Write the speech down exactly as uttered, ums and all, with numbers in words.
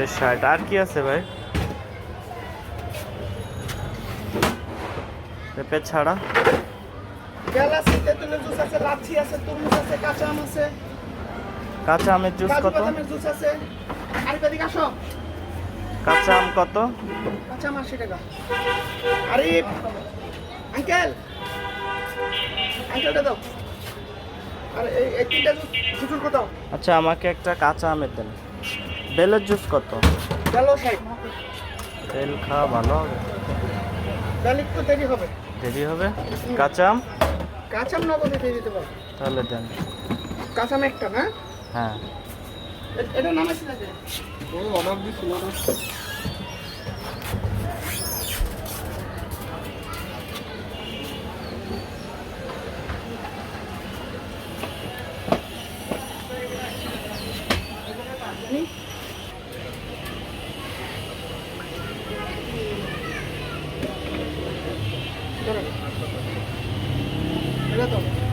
নব্বই ষাট। আর কি আছে ভাই পেঁপে ছাড়া? বেল আছে, তেঁতুলের জুস আছে, লাচ্ছি আছে, তরমুজ আছে, কাঁচা আম আছে, কাঁচা আমের জুস কাজু কত? বাদামের জুস আছে। আর এদিকে আসো। কাঁচা আম কত? কাঁচা আম আশি টাকা। আরিফ আঙ্কেল, আঙ্কেলটা দাও। আর এই এই তিনটা জুস জুসুর কত? আচ্ছা আমাকে একটা কাঁচা আমের দেন। বেলের জুস কত? বেলও ষাট। বেল খাওয়া ভালো হবে? বেল একটু দেরি হবে। দেরি হবে। কাঁচা আম? কাঁচা আম নগদে দিয়ে দিতে পারো। তাহলে দেন। কাঁচা আম একটা না? হ্যাঁ। এ- এটা নাম আছে নাকি? ও অর্ডার দিছিল না। এটা তো